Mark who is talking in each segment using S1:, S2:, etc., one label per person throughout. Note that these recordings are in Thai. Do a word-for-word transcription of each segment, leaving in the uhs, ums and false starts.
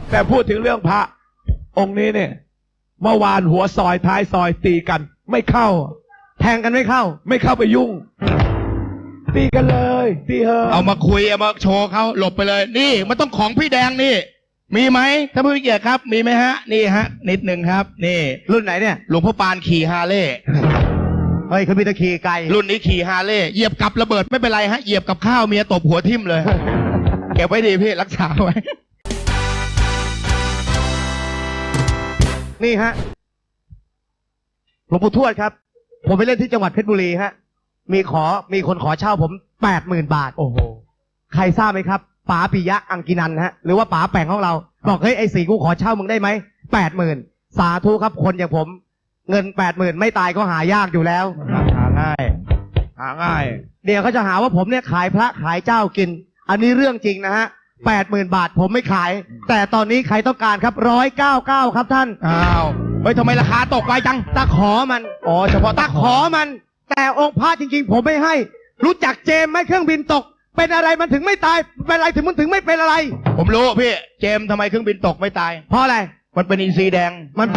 S1: แต่พูดถึงเรื่องพระองค์นี้เนี่ยเมื่อวานหัวซอยท้ายซอยตีกันไม่เข้าแทงกันไม่เข้าไม่เข้าไปยุ่งตีกันเลยตีเฮอ
S2: เอามาคุยเอามาโชว์เขาหลบไปเลยนี่มันต้องของพี่แดงนี่มีไหมท่านผู้มีเกียรติครับมีไหมฮะนี่ฮะนิดหนึ่งครับนี่
S3: รุ่นไหนเนี่ย
S2: หลวงพ่อปานขี่ฮาร์เลย์
S3: เฮ้ยเขามีตะขี่ไกล
S2: รุ่นนี้ขี่ฮาร์เลย์เหยียบกับระเบิดไม่เป็นไรฮะเหยียบกับข้าวเมียตบหัวทิ่มเลย เก็บไว้ดีพี่รักษาไว้
S3: นี่ฮะหลวงปู่ทวดครับผมไปเล่นที่จังหวัดเพชรบุรีฮะมีขอมีคนขอเช่าผมแปดหมื่นบาทโอ้โหใครทราบไหมครับป๋าปิยะอังกินันฮะหรือว่าป๋าแป่งของเราบอกเฮ้ยไอ้สีกูขอเช่ามึงได้ไหมแปดหมื่นสาธุครับคนอย่างผมเงินแปดหมื่นไม่ตายก็หายากอยู่แล้วหาง่ายหาง่ายเดี๋ยวเขาจะหาว่าผมเนี่ยขายพระขายเจ้ากินอันนี้เรื่องจริงนะฮะแปดหมื่นบาทผมไม่ขายแต่ตอนนี้ใครต้องการครับร้อยเก้าเก้าครับท่าน
S2: อ้าวเฮ้ยทำไมราคาตกไปจัง
S3: ตะขอมัน
S2: อ๋อเฉพาะ
S3: ตะขอมันแต่องค์พระจริงๆผมไม่ให้รู้จักเจมไหมเครื่องบินตกเป็นอะไรมันถึงไม่ตายเป็นอะไรถึงมันถึงไม่เป็นอะไร
S2: ผมรู้พี่เจมทำไมเครื่องบินตกไม่ตาย
S3: เพราะอะไร
S2: มันเป็นอินทรีแดง
S3: มัน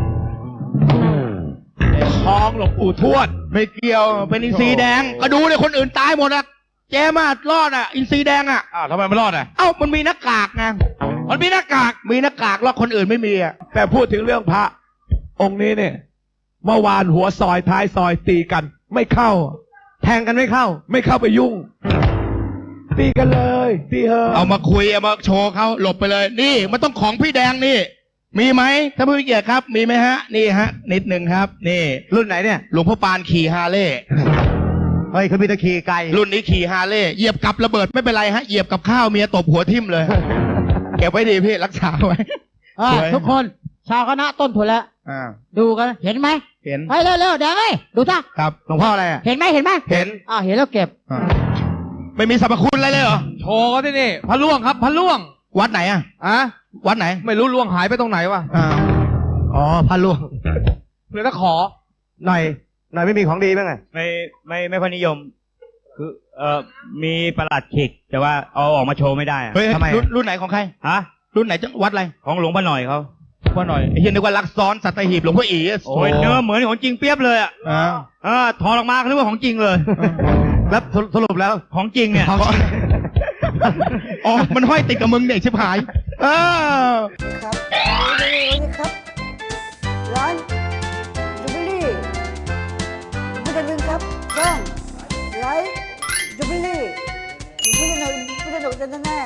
S2: คลองหลวงปู่ทวดไม่เกี่ยวเป็นอินทรีแดงก็ดูเลยคนอื่นตายหมดอะเจมอะรอดอะอินทรีแดงอะ
S1: อ้าวทำไมไม่รอดอะ
S2: เอ้ามันมีหน้ากากไงมันมีหน้ากากมีหน้ากากแล้วคนอื่นไม่มีอะ
S1: แต่พูดถึงเรื่องพระองค์นี้เนี่ยเมื่อวานหัวซอยท้ายซอยตีกันไม่เข้า
S3: แทงกันไม่เข้า
S1: ไม่เข้าไปยุ่งตีกันเลยตีเฮอ
S2: เอามาคุยเอามาโชว์เขาหลบไปเลยนี่มันต้องของพี่แดงนี่มีไหมท่านผู้มีเกียรติครับมีไหมฮะนี่ฮะนิดหนึ่งครับนี่
S3: รุ่นไหนเนี่ย
S2: หลวงพ่อปานขี่ฮาร์เลย์
S3: เฮ้ยเขามีตะขี่ไกล
S2: รุ่นนี้ขี่ฮาร์เลย์เหยียบกับระเบิดไม่เป็นไรฮะเหยียบกับข้าวเมียตบหัวทิ่มเลย เก็บไว้ดีพี่รักษาไว้
S4: ทุกคนชาวคณะต้นทุนแล้วดูกันเห็นไหม
S2: เห็น
S4: ไปเร็วๆเดี๋ยวไงดูท่า
S2: ครับหลวงพ่ออะไร
S4: เห็นไหมเห็นไหม
S2: เห็น
S4: อ่าเห็นแล้วเก็บ
S2: ไม่มีสรรพคุณอะไรเลยเหรอ
S1: โชว์ก็ที่นี่พระล่วงครับพระล่วง
S2: วัดไหนอ่ะ
S1: อะ
S2: วัดไหน
S1: ไม่รู้ล่วงหายไปตรงไหนวะ
S3: อ๋อพระล่วง
S1: เพื่อถ้าขอ
S3: หน่อยหน่อยไม่มีของดีบ้างไง
S5: ไม่ไม่ไม่พอนิยมคือเอ่อมีประหลัดขิกแต่ว่าเอาออกมาโชว์ไม่ได้
S2: เฮ้ยทำไมรุ่นไหนของใคร
S5: ฮะ
S2: รุ่นไหนจังวัดอะไร
S5: ของหลวงพ่อหน่อยเขา
S2: พ่อหน่อยไอ้เฮียนึกว่ารักซ้อนสัตหีบหลวงพ่ออี
S5: โอ้ยเนื้อเหมือนของจริงเปียบเลยอ่ะเออถอดออกมาคือว่าของจริงเลย
S3: แล้วสรุปแล้ว
S5: ของจริงเนี่ย
S2: อ๋อมันห้อยติดกับมึงเด็กชิบหายเออ
S6: ครับนี่ครับร้านจูบิลี่ไม่จะลืมครับช่องไลฟ์จูบิลี่อยู่ไม่ได้หนุไม่ได้หนุกันแน่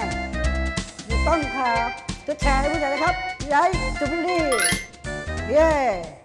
S6: อยู่ต้นครับจะแชร์ให้ผู้ใหญ่นะครับไลฟ์จูบิลี่เย้